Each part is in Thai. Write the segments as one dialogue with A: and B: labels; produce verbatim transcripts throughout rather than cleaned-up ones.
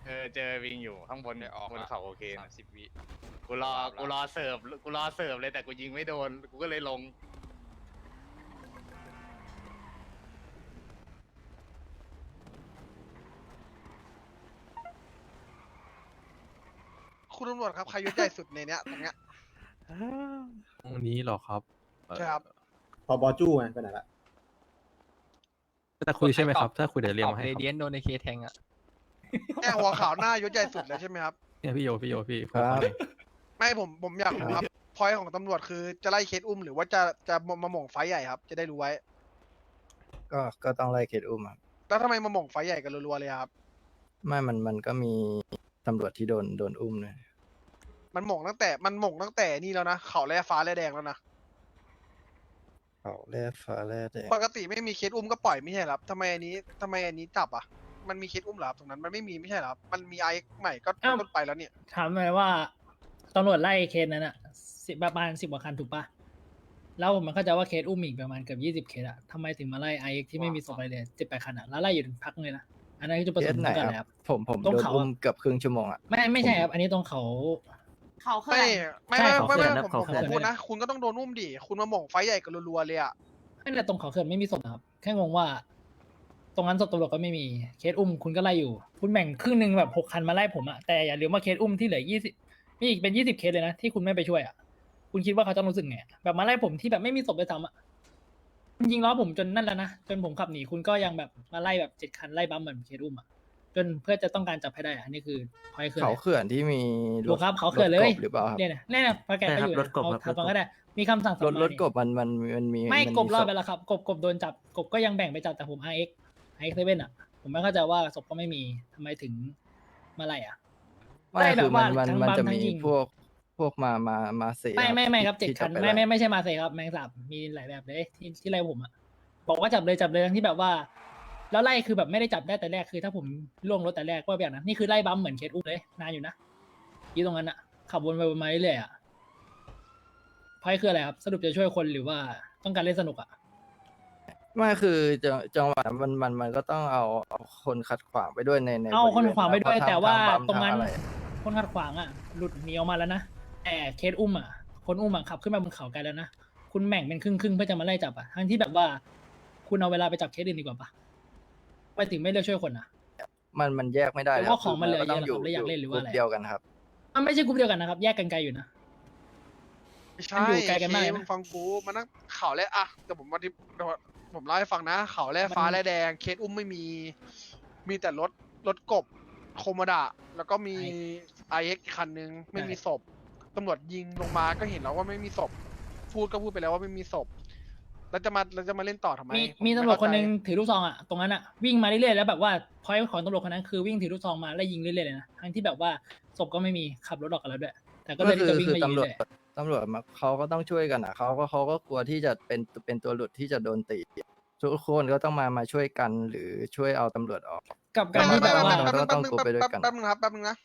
A: เออเจอวิงอยู่ข้างบน
B: ได้ออก
A: บน
B: ละ
A: เขาโอเค
B: สา
A: นะ
B: มสิบวิ
A: กูรอกูรอเสิร์ฟกูรอเสิร์ฟเลยแต่กูยิงไม่โดนกูก็เลยลง
C: คุณตำรวจครับใครยศใหญ่สุดในเนี้ยตรงเนี้ย
D: ตรงนี้เหรอครับเอ่อ
C: ใช่ครับ
E: พอบอจู้ไงไปไหนละ
D: จะคุยใช่ไหมครับ ถ้าคุยเดี๋ยวเรียกมาให้
F: เร
D: ครับ
F: เดียนโดนในเคแทงอ่ะ
C: แค่หัวขาวหน้ายศใหญ่สุดเลยใช่ไหมครับ
D: เนี่ยพี่โยพี่โยพี่
E: ครับ
D: ผมขอเลย
C: ไม่ผมผมอยากรู้ครับพอยของตำรวจคือจะไล่เคสอุ้มหรือว่าจะจะมาหม่งไฟใหญ่ครับ จะได้รู้ไว้
G: ก็ก็ต้องไล่เคสอุ้มครับ
C: แล้วทำไมมาหม่งไฟใหญ่กันรัวๆเลยครับ
G: ไม่มันมันก็มีตำรวจที่โดนโดนอุ้มเลย
C: มันหม่งตั้งแต่มันหม่งตั้งแต่นี่แล้วนะเขาแร่ฟ้าแร่แดงแล้วนะ
G: เขาแร่ฟ้าแร่แดง
C: ปกติไม่มีเคสอุ้มก็ปล่อยไม่ใช่เหรอครับทำไมอันนี้ทำไมอันนี้จับอ่ะมันมีเคสอุ้มเหรอครับตรงนั้นมันไม่มีไม่ใช่เหรอครับมันมีไอใหม่ก็
H: อ้าว
C: ต้นไปแล้วเนี่ย
H: ถามหน่อยว่าตำรวจไล่เคสนั้นอะสิบประมาณสิบกว่าคันถูกปะแล้วมันเข้าใจว่าเคสอุ้มอีกประมาณเกือบยี่สิบเคสอะทำไมถึงมาไล่ไอเอ็กที่ไม่มีศพอะไรเลยสิบแปดคันอะแล้วไล่อยู่ถึงพักเลยนะอันนั้นคือจุดประ
G: เค
H: ส
G: ส
H: งค์
G: ไหน
H: กัน
G: ค
H: เลย
G: รั
H: ครับ บ
G: ผมผม
H: ตรง
G: โดน
H: เขา
G: อุ้ม
H: อะ
G: เกือบครึ่งชั่วโมงอ่ะ
H: ไม่ไม่ใช่ครับ อันนี้ตรงเขา
I: เขาเขื่
C: ไม่
I: อน
C: ไม่
H: ใช่
C: ไม่
H: เขา
C: ไม่
H: เขื่
C: ไม่
H: อน
C: ผม
H: เขา
C: ผม
H: เขื่อน
C: พูดนะ คุณก็ต้องโดนอุ้มดิคุณมาหม่งไฟใหญ่กันรัวๆเลยอ่ะ
H: ไม่แต่ตรงเขาเขื่อนไม่มีศพนะครับแค่งงว่า ตรงนั้นศพตำรวจก็ไม่มีเคสอุ้มคุณก็ไล่อยู่ คุณแบ่งครึ่งหนึ่งแบบหกคันมาไล่ผมอะแต่อย่าลืมว่าเคสอุ้มที่เหลือยี่สิบมีอีกเป็นยี่สิบเคสเลยนะที่คุณไม่ไปช่วยอะคุณคิดว่าเขาจะรู้สึกไงแบบมาไล่ผมที่แบบไม่มีศพเลยซ้ำอะคุณยิงล้อผมจนนั่นแล้วนะจนผมขับหนีคุณก็ยังแบบมาไล่แบบเจ็ดคันไล่บัมเหมือนเคสอุ้มอะจนเพื่อจะต้องการจับให้ได้อะอันนี้คือพอยคือ
G: เขา
H: อะไร
G: เขื่อนที่มี
H: ดูครับเขาเขื่อนเลย
G: รถกบหรือเปล่าครับ
H: เนี่ยนะเนี่ยนะพอแกไปอยู่
E: รถกบ
H: เอา
E: ครับ
H: ทำฟังก็ได้มีคำสั่งส
G: ร
H: อง
G: ถ
H: มาร
G: ถ
H: นี่
G: กบมันมันมันมี
H: ไม่
G: น
H: กบรอด
G: ศพ
H: ไปแล้วครับกบกบโดนจับกบก็ยังแบ่งไปจับแต่ผม อาร์ เอ็กซ์ อาร์ เอ็กซ์ เซเว่นอ่ะ ผมไม่เข้าใจว่าศพก็ไม่มีทำไมถึงมาไล่อ่ะ
G: ไม่
H: ไล่แบ
G: คือบ มั
H: ว่าน
G: มัน
H: ทั้ง
G: มัน
H: บัม
G: จะ
H: ทั้
G: มี
H: งยิง
G: พวกพวกมามามาเสีย
H: ไม่ไม่ไม่ครับเจ็ด
G: ที่
H: คัน
G: จะป
H: ไม่ไม่
G: ล่
H: ไม่ใช่มาเซครับแมงสาบมีหลายแบบเลยที่ที่ไล่ผมอ่ะบอกว่าจับเลยจับเลยทั้งที่แบบว่า แล้วไล่คือแบบไม่ได้จับได้แต่แรกคือ ถ้าผมล่วงรถแต่แรกก็แบบนั้นนี่คือไล่บัมเหมือนเคสอุ้มเลยนานอยู่นะที่ตรงนั้นอ่ะขับวนไปวนมาเรื่อยๆอ่ะพอยคืออะไรครับสรุปจะช่วยคนหรือว่าต้องการเล่นสนุกอ่ะ
G: ไม่คือจังจังหวะมันมันมันก็ต้องเอาเอาคนขัดขวางไปด้วยในใน
H: เอา
G: บริ
H: คน
G: เวณ
H: ขวางไปด้วย
G: เพระ
H: แต่ว่า
G: ทบัม
H: ตรงนั้น
G: ทาอะไร
H: คนขัดขวางอ่ะ หลุดหนีออกมาแล้วนะแต่เคสอุ้มอ่ะ คนอุ้มอ่ะขับขึ้นมาบนเขาไกลแล้วนะคุณแบ่งเป็นครึ่งครึ่งๆเพื่อจะมาไล่จับอ่ะทั้งที่แบบว่า คุณเอาเวลาไปจับเคสอื่นดีกว่าปะไปถึงไม่เลือกช่วยคนอ่ะ
G: มันมันแยกไม่ได้
H: หรือว่าของมันเหลือ
G: ก็ต้อง
H: เยอะเหรอครับแล้วอยากเล่นหรือว่าอะไร
G: กลุ่มเดียวกันครับ
H: มันไม่ใช่กลุ่มเดียวกันนะครับ แยกกันไกลอยู่นะ
C: ไม่ใช่
H: มันอยู่ไกลกันมากเลยนะ
C: มึงฟังกูมันนั่งเขาแร่อะแต่ผมมาที่ผมเล่าให้ฟังนะ เขาแร่ฟ้า
H: มัน
C: แร่แดง เคสอุ้มไม่มี มีแต่รถรถกบโคโมดะแล้วก็มีไอเอ็กคันนึงไม่มีศพตำรวจยิงลงมาก็เห็นแล้วว่าไม่มีศพพูดก็พูดไปแล้วว่าไม่มีศพแล้วจะมาแล้วจะมาเล่นต่อทำไม
H: มี
C: ผ
H: มี
C: ไ
H: ตำรวจคนหนึง
C: เข้าใจ
H: ถือลูกซองอ่ะตรงนั้นอ่ะวิ่งมาเรื่อยๆแล้วแบบว่าพอยของตำรวจคนนั้นคือวิ่งถือลูกซองมาแล้วยิงเรื่อยๆเลยนะทั้งที่แบบว่าศพก็ไม่มีขับรถออกกันแล้วด้วย แต่ก็
G: ก็
H: เลย
G: คื
H: ที่
G: อ
H: จะวิ่ง
G: คือ
H: มายิง
G: ตำรวจ
H: เรื่อย
G: ตำรวจมาเขาก็ต้องช่วยกันอ่ะเขาก็เขาก็กลัวที่จะเป็นเป็นตัวหลุดที่จะโดนตีทุกคนก็ต้องมามาช่วยกันหรือช่วยเอาตำรวจออก
H: ๆกับการที่แบบว่า
G: เราก็ต้องกลัวไปด้วยกัน
C: แป๊บนึงครับแป๊บนึงนะ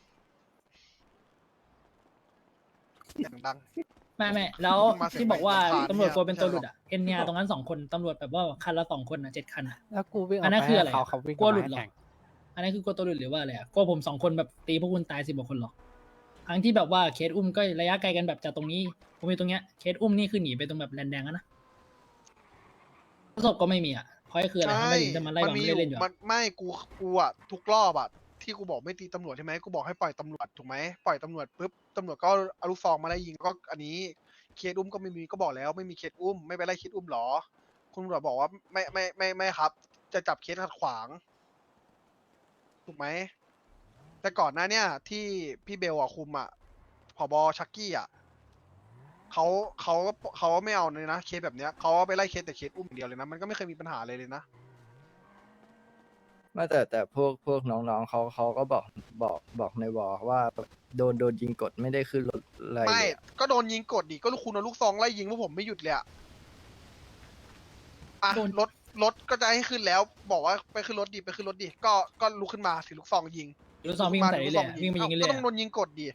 C: เสียงดัง
H: ไม่ไม่แล้ว
C: มาเสียง
H: ที่บอกว่า
C: ไมค์
H: ตำรวจกลัวเป็นตัวห
C: ไม่
H: ลุด
C: ใช่หรอก
H: อ่ะเอ็นเนียตรงนั้นสองคนตำรวจแบบว่าคันละสองคนอ่ะเจ็ดคันอ่ะ
F: แล้วกูวิ่ง
H: อันนั้นคืออะไร
F: เขา
H: อะ
F: เขาวิ่ง
H: กลัวหลุดเหรอ
F: แข่ง
H: อันนั้นคือกลัวตัวหลุดหรือว่าอะไรอ่ะกลัวผมสองคนแบบตีพวกคุณตายสิบกว่าคนหรอทั้งที่แบบว่าเคสอุ้มก็ระยะไกลกันแบบจากตรงนี้ผมมีตรงเนี้ยเคสอุ้มนี่คือหนีไปตรงแบบแลนแดงอะนะประสบก็ไม่มีอ่ะเพราะคืออะไรทำไมถึงจะมาไล่
C: มั
H: บัม
C: มี
H: เล่นๆอยู่
C: มั
H: อะ
C: นไม่กูกูอะทุกรอบอะที่กูบอกไม่ตีตำรวจใช่ไหมกูบอกให้ปล่อยตำรวจถูกไหมปล่อยตำรวจปุ๊บตำรวจก็เอาลูกซองมาไล่ยิงก็อันนี้เคสอุ้มก็ไม่มีก็บอกแล้วไม่มีเคสอุ้มไม่ไปไล่เคสอุ้มหรอ คุณตำรวจบอกว่าไม่ไม่ไม่ไม่ครับ จะจับเคสขัดขวางถูกไหมแต่ก่อนหน้าเนี่ยที่พี่เบลอะคุมอะผบชักกี้อะเขาเขาเขาไม่เอาเลยนะเคสแบบเนี้ยเขาไปไล่เคสแต่เคสอุ้มอย่างเดียวเลยนะมันก็ไม่เคยมีปัญหาเลยเลยนะ
G: ไม่แต่แต่พวกพวกน้องๆเขาเขาก็บอกบอกบอกในวอลว่าโดนโดนยิงกดไม่ได้ขึ้นรถอะไร
C: ไม่
G: เลยอะ
C: ก็โดนยิงกดดิ ก็ลูกคุณเอาลูกซองไล่ยิงพวกผมไม่หยุดเลยอะอ่ะ
H: โดน
C: รถ รถก็จะให้ขึ้นแล้ว บอกว่าไปขึ้นรถดิ ไปขึ้นรถดิ ก็ ก็ลุกขึ้นมาถือลูกซองยิง
H: ลูกซองวิ่งใส่เรื่อยๆวิ่งมายิง
C: เอ้า
H: เรื่
C: ก็
H: อย
C: ต้องโดนยิงกดดิ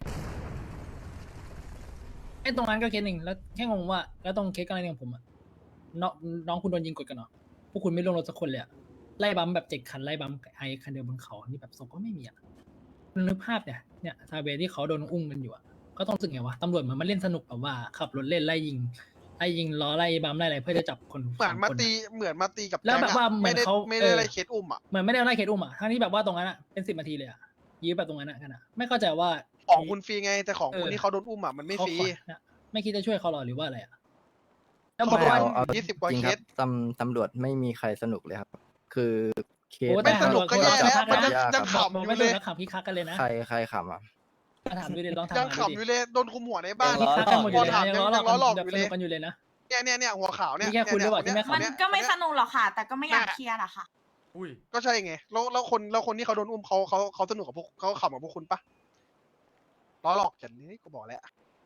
H: ๆไอ้ตรงนั้นก็เคสหนึ่งแล้วแค่งงว่าแล้วตรงเคสกรณีของผมอะน้องน้องคุณโดนยิงกดกันเหรอพวกคุณไม่ลงรถสักคนเลยอะไล่บัมแบบเจ็ดคันไล่บัมไอคันเดียวบนเขานี่แบบศพก็ไม่มีอะนึกภาพเนี่ยเนี่ยซาเบที่เขาโดนอุ้มกันอยู่อะก็ต้องรู้สึกไงวะตำรวจเหมือนมาเล่นสนุกแบบว่าขับรถเล่นไล่ยิงไล่ยิงล้อไล่บัมไล่อะไรเพื่อจะจับคน
C: เหมือน
H: ส
C: มา
H: คน
C: ตี
H: อะ
C: เหมือนมาตีกับ
H: แล้วแบบ
C: ก๊งอะ
H: ว่าเหมือน
C: ไม่ได้
H: เขา
C: ไม่ได้
H: เออ
C: อะไรเคสอุ้มอ่ะ
H: เหมือนไม่ได้เอาไล่เคสอุ้มอะทั้งที่แบบว่าตรงนั้นอะเป็นสิบนาทีเลยอะยื้อแบบตรงนั้นอะกันอะไม่เข้าใจว่า
C: ของคุณฟรีไงแต่ของ
H: เออ
C: คนที่เขาโดนอุ้มอ่ะมันไม่
H: เขา
C: ฟรี
H: ขอเนี่ยไม่คิดจะช่วยเขาหรอหรือว่าอะไรอะแล้วบ
C: เขา
H: อก
C: โดน
H: ว่า
C: อุ้ม
G: เอา
C: ยี่สิบกว่า
G: จริง
C: เค
G: ครั
C: ส
G: บตำตำรวจไม่มีใครสนุกเลยครับ คือเคส
H: โอ้
C: ไม่
H: แต่
C: สนุกก็แย่แล้ว
H: มั
C: มัน
H: น
C: ยัง
H: ยาก
C: ยัง
G: ครับ
C: ขำอยู่
H: ไม่
C: เล
H: ดู
C: ย
H: แล้วขับพี่คักกันเลยนะ
G: ใครใครขำอ่ะ
H: มาถามดูดิลองถาม
C: ยัง
H: มาดู
C: ขำอ
H: ดิ
C: ยู่เลยโดนคุมหัวในบ้าน
H: พี่คักกันหมดอยู่เลยนะ
C: ยั
H: ยัง
C: ง
H: ล้อหลอก
C: ล้อหลอก
H: แบบ
C: อยู่
H: ส
C: เล
H: นุ
C: ย
H: กกันอยู่เลยนะ
C: เนี่ยเนี่ยเนี่ยหัวขาวเนี่ย
H: นี่แค่คุณหรือเปล่าที่ไม่ขำ
B: มัน
C: เนี่ย
B: ก็ไม่
C: เนี่ย
B: สนุกหรอกค่ะ แต่ก็ไม่อยาก
C: แม่
B: เคลียร์หรอกค่ะ
A: อุ้ย
C: ก็ใช่ไงแล้วแล้วคนแล้วคนที่เขาโดนอุ้มเขาเขาเขาสนุกกับพวกเขาขำกับพวกคุณปะล้อหลอกกันนี่กูบอกแล้ว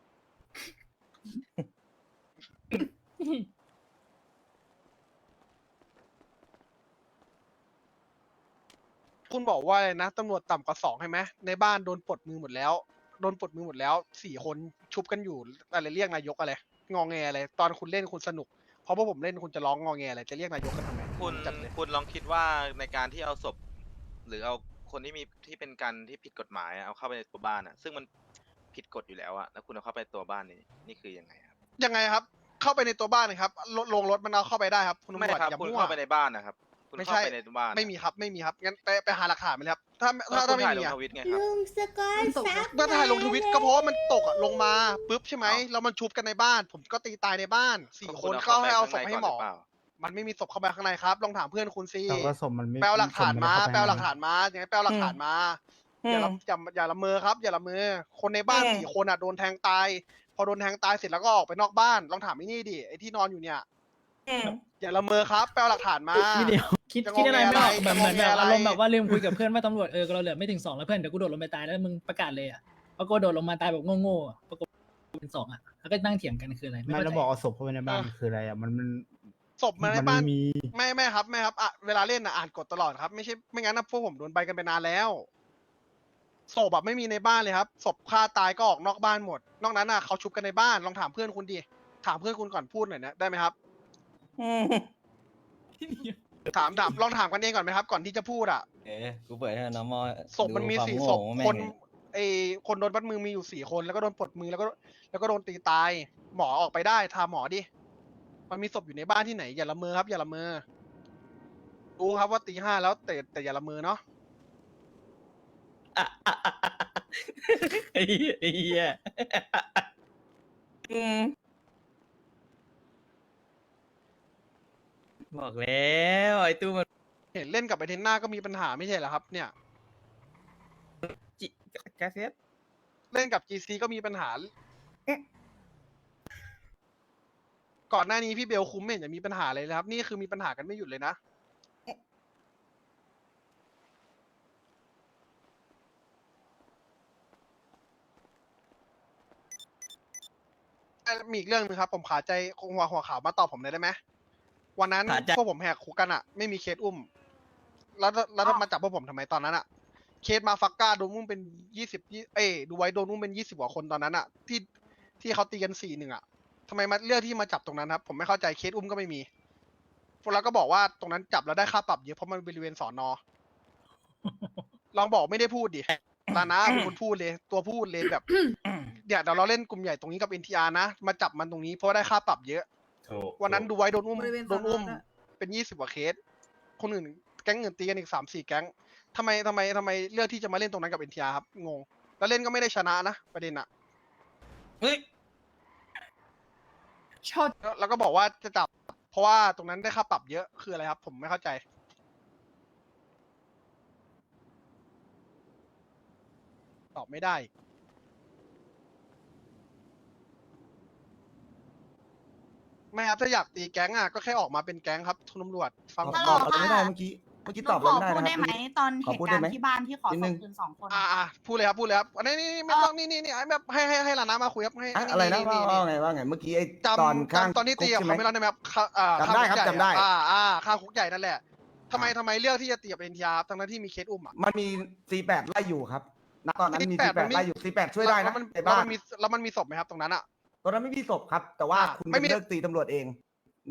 C: คุณบอกว่าอะไรนะตำรวจต่ำกว่าสองใช่ไหมในบ้านโดนปลดมือหมดแล้วโดนปลดมือหมดแล้วสี่คนชุบกันอยู่อะไรเรียกนายกอะไรงอแงอะไรตอนคุณเล่นคุณสนุกเพราะพวกผมเล่นคุณจะร้องงอแงอะไรจะเรียกนายกกันทำไม
F: คุณ
C: จัดเลย
F: คุณลองคิดว่าในการที่เอาศพ หรือเอาคนที่มีที่เป็นกันที่ผิดกฎหมายอะเอาเข้าไปในตัวบ้านอ่ะ ซึ่งมันผิดกฎอยู่แล้วอะแล้วคุณเอาเข้าไปตัวบ้านนี่นี่คือยังไงครับ
C: ยังไงครับ เข้าไปในตัวบ้านนะครับลลงรถมันเอาเข้าไปได้ครับคุณตำ
F: ไม่
C: รวจ
F: ครับ
C: อย่า
F: คุณ
C: มั่ว
F: เข้าไปในบ้านนะครับ คุณ
C: ไม่
F: เข้า
C: ใช่
F: ไปในตัวบ้าน
C: ไม่มีครับไม่มีครับงั้นไปไปหาหลักฐานมาเลยครับถ้า
F: ถ้า
C: ถ้า
F: คุ
C: ถ้า
F: ณ
C: ไม่
F: ถ่ายล
C: มี
F: ง
C: อะ
F: ทวิตไงครับ
I: ลุงสกอยซับ
C: เมื่อถ่ายลงทวิตก็เพราะว่ามันตกอะลงมาปุ๊บใช่ไหมแล้วมันชุบกันในบ้าน ผมก็ตีตายในบ้านสี่
F: ก็
C: ค
F: คุณ
C: น
F: เอา
C: เข้า
F: เข้าไป
C: ให้เอาศ
F: ข้าง
C: พ
F: ใน
C: ให้
F: ก่อน
C: หมอ
F: หรือเปล่า
C: มันไม่มีศพเข้าไปข้างในครับ ลองถามเพื่อนคุณซิ
D: แต่ว่าศพมันไม่
C: แปลหลักฐานมา
D: ศพ
C: แปล
D: ไได้
C: หลักฐานมาอย่างไงแปลหลักฐานมา อย่าละอย่าอย่าละเมอครับ อย่าละเมอ คนในบ้านสี่คนอ่ะโดนแทงตาย พอโดนแทงตายเสร็จแล้วก็ออกไปนอกบ้าน ลองถามไอ้นี่ดิ ไอ้ที่นอนอยู่เนี่ย อย่าละเมอครับ แปลหลักฐานมา
H: คิดเดียวคิด
C: จะงง
H: คิดอะไรไม่ออก
C: อะไร
H: แบบเหมือน
C: จะงง
H: แบบ
C: อะไร
H: อารมณ์แบบว่าลืมคุยกับเพื่อนว่าตำรวจเออเราเหลือไม่ถึงสองแล้วเพื่อนเดี๋ยวกูโดดลงไปตายแล้วมึงประกาศเลยอ่ะเพราะกูโดดลงมาตายแบบโง่ๆอะปรากฏเป็นสองอ่ะแล้วก็นั่งเถียงกันคืออะไรไม่
D: ไม่
H: เข้า
D: แล้ว
H: ใจ
D: บอกเอาศพเข้าไปในบ้านคืออะไรอ่ะมันมัน
C: ศพมาใน
D: มัน
C: บ้าน
D: ไม่มี
C: ไม่ไม่ครับไม่ครับอ่ะเวลาเล่นอ่ะอ่านกฎตลอดครับ ไม่ใช่ไม่งั้นนะพวกผมโดนใบกันไปนานแล้วศพแบบไม่มีในบ้านเลยครับศพฆ่าตายก็ออกนอกบ้านหมด นอกนั้นอ่ะเขาชุบกันในบ้านลองถามเพื่อนคุณดิถามเพื่อนคุณก่อนพูดหน่อยนะได้ไหมครับถามถามลองถามกันเองก่อนไหมครับ ก่อนที่จะพูดอ่ะ
J: เอ๊ะกูเปิดให้น้องมอ
C: ศพมันมี
J: ดูควา
C: สี่
J: โง่
C: ศพ
J: ของแม่ง
C: คน
J: ดิ
C: ไอคนโดนบัดมือมีอยู่สี่คนแล้วก็โดนปลดมือแล้วก็แล้วก็โดนตีตาย หมอออกไปได้ทาหมอดิมันมีศพอยู่ในบ้านที่ไหนอย่าละเมอครับ อย่าละเมอรู้ครับว่าตีห้าแล้วแต่แต่อย่าละเมอเนาะ
J: ไอ้เหี้ยไอ้เหี้ยอืมบอกแล้วไอ้ตู้มัน
C: เห็นเล่นกับไอเทนน่าก็มีปัญหาไม่ใช่เหรอครับ เนี่ย
J: จิกาเซต
C: เล่นกับ จี ซี ก็มีปัญหา ก่อนหน้านี้พี่เบลคุ้มไม่เห็นจะมีปัญหาเลยนะครับ นี่คือมีปัญหากันไม่หยุดเลยนะ มีอีกเรื่องหนึงครับ ผมขาใจคงหัวหัวขาวมาตอบผมหน่อยได้ไหมวันนั้น
J: ขาใจ
C: พวกผมแหกคุกกันอะไม่มีเคสอุ้ม แล้วแล้ว
B: อ้าว
C: มาจับพวกผมทำไมตอนนั้นอะเคสมาฟักก้าโดนอุ้มเป็นยี่สิบเอ้ยดูไว้โดนอุ้มเป็นยี่สิบกว่าคนตอนนั้นอะที่ที่เขาตีกันสี่หนึ่งอะทำไมมาเลือกที่มาจับตรงนั้นครับ ผมไม่เข้าใจเคสอุ้มก็ไม่มีพวกเราก็บอกว่าตรงนั้นจับแล้วได้ค่าปรับเยอะเพราะมันบริเวณสอนอ ลองบอกไม่ได้พูดดิตานะเป็นคนพูดเลย ตัวพูดเลยแบบ เดี๋ยวเดี๋ยวเราเล่นกลุ่มใหญ่ตรงนี้กับ เอ็น ที อาร์ นะ มาจับมันตรงนี้เพราะว่าได้ค่าปรับเยอะ วันนั้นดูไว้โดนอุ้ม
B: บริเวณ
C: โดนอุ้ม
B: สอนอด้วย
C: เป็นยี่สิบกว่าเคส คนอื่นแก๊งอื่นตีกันอีกสามสี่แก๊งทำไมทำไมทำไมเลือกที่จะมาเล่นตรงนั้นกับ เอ็น ที อาร์ ครับ งง แล้วเล่นก็ไม่ได้ชนะนะประเด็นอะ
J: เฮ้ย
B: ชด
C: แล้วแล้วก็บอกว่าจะจับ เพราะว่าตรงนั้นได้ค่าปรับเยอะคืออะไรครับ ผมไม่เข้าใจ ตอบไม่ได้ ไม่ครับถ้าอยากตีแก๊งอ่ะก็แค่ออกมาเป็นแก๊งครับทุนตำรวจฟังผม
B: ฮัลโหล
C: ก่อน
B: ค่ะ
I: ไม่ได้เมื่อกี้เมื่อกี้
B: ห
I: ต
B: นู
I: อบ
B: ข
I: อะไร
B: อ
I: ไม่ได้
B: พูด
I: นะ
B: ได้
I: ค
B: ไหม
I: รับ
B: ตอน
I: ขอ
B: เห
I: พูด
B: ตุ
I: ได้
B: การ
I: ไหม
B: ณ์ที่บ้านที่ขอ
I: นิด
B: ส่
I: นึ
B: ง
I: ง
B: คืนสองคน
C: อ่า
B: อะ
C: อ่าพูดเลยครับพูดเลยครับอันนี้นี่นี่ไม่ต้องนี่นี่นี่ไอ้แบบให้ให้ให้ลานามาคุยครับให้
I: อะอะไรนะว่าว่าไงว่าไงเมื่อกี้ไอ้ตอน
C: จำ
I: ข้าง
C: จำตอนที่ตีกับ
I: คุก
C: เขา
I: ใช่
C: ไม่
I: ไหม
C: รอดได้ไหมครับข้าอ่า
I: จำได้ครับ
C: ข้างคุกใหญ่
I: จำได้
C: อ่าอ่าข้างคุกใหญ่นั่นแหละทำไมทำไมเลือกที่จะตีกับเอ็นทีอาร์ทั้งนั้นที่มีเคสอุ้มอ่ะ
I: มันมี ซี แปด ไล่อยู่ครับณตอนนั้นมี ซี แปด
C: มันมี
I: ไล่อยู่ ซี แปด ช่วยได้
C: แล้
I: นะ
C: วมัน
I: ใน
C: แล้ว
I: บ้า
C: มัน นมีแล้วมันมีศพไหมครับตรงนั้นอ่ะ
I: ตอนนั้นไม่มีศพครับ แต่ว่า
C: อ่า
I: คุณ
C: ไม่
I: ไม่
C: มี
I: เลิกตีตำรวจเอง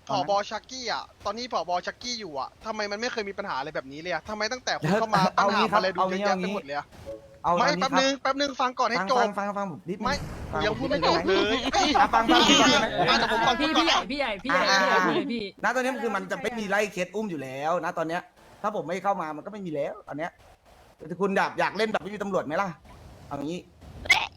C: ผอบอชักกี้อ่ะตอนนี้ผอบอชักกี้อยู่อ่ะทำไมมันไม่เคยมีปัญหาอะไรแบบนี้เลยอ่ะทำไมตั้งแต่คุณเข้ามาปัญหาอะไรดูเยอะแยะไปหมดเลยอ่ะ
I: เอา
C: ไม่
I: เอางี้
C: แป๊บนึงแป๊บนึงฟังก่อนให้
I: ฟัง
C: จ
I: ฟั
C: บ
I: งฟังฟังผมนิดนึ
C: ไม่
I: ฟั
C: ยัง
I: ผม
C: พูด
I: นิ
C: ไม่
I: นึ
C: จบเลย
I: อ่ะฟังฟังพี่ก่อนได้ไหม
C: อ่ะแต่ผมฟัง
H: พี่
C: คุณก่
H: พี่
C: อน
H: ใหญ่พี่ใหญ่พี่ใหญ่พี่ใหญ่พี่ใหญ่พูดเลยพี่
I: ณตอนนี้มันคือมันจะไม่มีไล่เคสอุ้มอยู่แล้วนะตอนเนี้ย ถ้าผมไม่เข้ามามันก็ไม่มีแล้วตอนเนี้ยแต่คุณอยากอยากเล่นแบบไม่มีตำรวจไหมล่ะเอางี้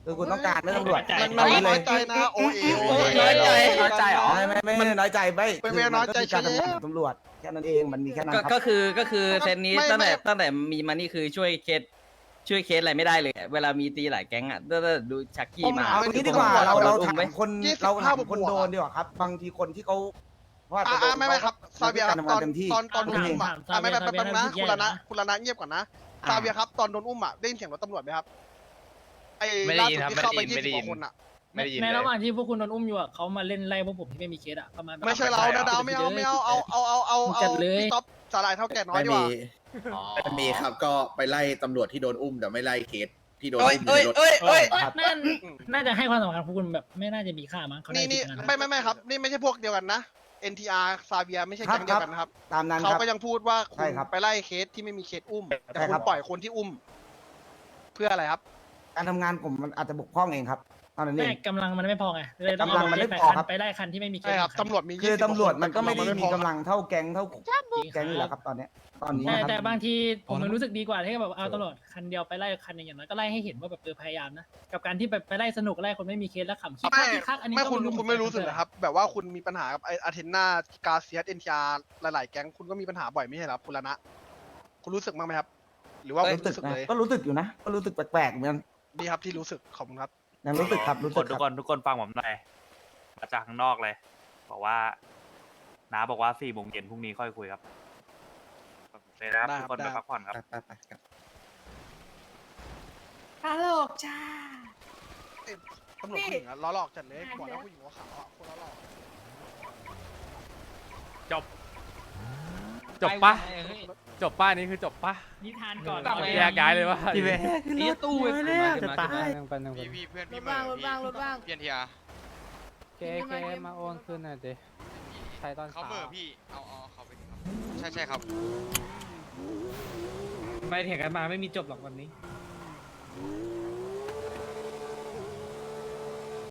I: คือคุณต้องการเรื่องตำรวจ
C: มัน
I: เอา
C: มัน
I: เล
C: น้อย ยใจนะโอเอโอเอ
J: น้อยใจ
B: น้อยใจเหรอ
I: ไม่ไม่ไม่ไม่น้อยใจไม่
C: ไม่ไม่น้อยใจ
I: คืการ
C: ใช่
I: ทำงาน
C: แล้ว
I: ของตำรวจแค่นั้นเองมันมีแค่นั้น
J: ก็
I: ครับ
J: ก็คือก็คือเซตนี้
C: ไม่
J: ตั้งแต่
C: ไม่
J: ตั้งแต่มีมานี่คือช่วยเคสช่วยเคสอะไรไม่ได้เลย เวลามีตีหลายแก๊งอ่ะถ้าดูชักกี้มา
I: เอางี้ดีกว่า
C: ผม
I: เราเรา
J: อุ้
I: ถาม
J: ไหม
I: คน
C: ยี่สิบ
I: เราถาม
C: ห้า
I: คน
C: บวกๆ
I: โดน
C: อะ
I: ดีกว่าครับ บางทีคนที่เขาว่าจะ
C: อ่า
I: โดน
C: ไม่ไม่ครับซาเบียครับ
I: การทำ
C: ต
I: งา
C: อน
I: นเต็มที่
C: ตอนตอนโดนอุ้มอ่ะ
H: ถาม
C: อ่าไม่ไม่
H: ซาเบี
C: แป๊
H: ย
C: บนึงนะ
H: ซาเบีย
C: คุณละนะ
H: นะ
C: คุณละนะเงียบก่อนนะ
I: อ่า
C: ซาเบียครับตอนโดนอุ้มอ่ะได้ยินเสียงรถตำรวจไหมครับไอ้
A: ไม่ได้
C: ล่า
A: ยิน
C: สุด
A: ครับ
C: ที่เข้าไป
A: ไม่ได้
C: ยี่
A: ยิ น
C: สิบกว่าคนอ่ะ
A: ไม่ได้ยิน
H: ใน
A: เลย
H: ระหว่างที่พวกคุณโดนอุ้มอยู่อะเขามาเล่นไล่พวกผมที่ไม่มีเคสอะประมาณแบบ
C: ไม่ใช่เรา
A: ไม่ใช่
C: นะ
A: เหรอ
C: ดาวไม่เอาไม่เอาเอาเอาเอาเอาเอา
H: จัดเลย
C: พี่ต๊อปสาหร่ายเท่าแก่น้อยดีกว่า
A: อ๋อ
E: มีครับก็ไปไล่ตำรวจที่โดนอุ้มแต่ไม่ไล่เคสที่โดน
J: เอ้ย
E: อุ้มอยู่
J: เอ้ย
E: ในรถ
J: เอ้ยเอ้ย
H: น่าน่าจะให้ความสำคัญพวกคุณแบบไม่น่าจะมีค่ามั้งเขา
C: นี่
H: ได้
C: นี่
H: คิดอย่างนั้น
C: ไม่ไม่ไม่ครับ นี่ไม่ใช่พวกเดียวกันนะ เอ็น ที อาร์ ซาเบียไม่ใช่แก๊งเดียวกันนะครับ
I: ตามนั้น
C: เขา
I: ครับ
C: ก็ยังพูดว่าคุ
I: ใช่
C: ณ
I: ครับ
C: ไปไล่เคสที่ไม่มีเคสอุ้ม แต่
I: ใช่
C: คุ
I: ครั
C: ณ
I: บ
C: ปล่อยคนที่อุ้ม เพื่ออะไรครับ
I: การทำงานผมมันอาจจะบกพร่องเองครับเท่านั้นเอ
H: ไม่
I: ง
H: กำลังมันไม่พอไงเลยต้อง
I: กำลังมันไม่
H: ไป
I: พอ
H: คัน
I: ครับ
H: ไปไล่คันที่ไม่มีเคส
C: ใช่ครับ
H: น
C: ตำรวจมี
I: คือ
C: ยี่สิบ
I: ตำรวจ
C: กา
I: มันก็ไม่ได้
C: แต่
I: มี
C: พอก
I: ำลังเท่าแก๊งเท่า
H: จริง
I: แก๊งนี่แหละครับตอนเนี้ยตอนนี้
H: แต่
I: นะครับ
H: แต่บางทีผมมันรู้สึกดีกว่าที่แบบเอาตำรวจคันเดียวไปไล่คันหนึงอย่างน้อยก็ไล่ให้เห็นว่าแบบเออพยายามนะกับการที่ไปไปไล่สนุกไล่คนไม่มีเคสแล้วขำคิกคั
C: ไม่
H: กคิกคักอันนี้
C: ไม่
H: ก็
C: คุณ
H: รู้
C: คุณไม่รู้สึกเหรอครับ แบบว่าคุณมีปัญหากับไออาเทนนากาเซียสเอ็นทีอาร์หลาย ๆ แก๊งคุณก็มีปัญหาบ่อยไม่ใช่เหรอครับคุณละนะ คุณรู้สึกบ้างไหมครับ หรือว่าคุณ
I: รู้สึก
C: รู้สึก
I: นะ
C: เลย
I: ก็รู้สึกอยู่นะ ก็รู้สึกแปลกๆเหมือนกัน
C: ดีครับที่รู้สึกขอบคุณครับ
I: ยังรู้สึกครับรู้
K: ทุก
I: สึ
K: ค
I: ก
K: นทุก
I: ค
K: ครับ นทุกคนฟังผมหน่อยมาจากข้างนอกเลย บอกว่าน้าบอกว่าสี่โมงเย็นพรุ่งนี้ค่อยคุยครับเลยนะครับ
C: ได้
K: ทุ
C: ค
K: ก
C: รับ
K: คนไป
C: ได้
K: พักผ่อนครับ
I: ไปไปครับ
L: ตลกจ้า
C: ตำรวจผู้หญิงอะล้อหลอกจัดเลยบอกแล้วผู้หญิงหัวขาวอะคนล้อหลอก
K: จบ จบปะจบป้านี้คือจบปะ
H: นิทานก่อน
K: แยกย้ายเลยว่า
J: พี่เว้ยนี่ตู้ไปแล้วจะตาย
A: พี่พี่เพื่อน
L: ร
A: พี่
L: ถ
A: เม
L: บ้าง
A: ย์
L: รถบ้างรถบ้าง
A: พี่เพียนทีอาร์
L: เคเคมาโอนคืนหน่อยดิ
K: ใช้ตอน
A: เขาเบอร์พี่เอาเอาเขาไปดิครับใช่ใช่ครับ
J: ไม่เถียงกันมาไม่มีจบหรอกวันนี้
A: ใ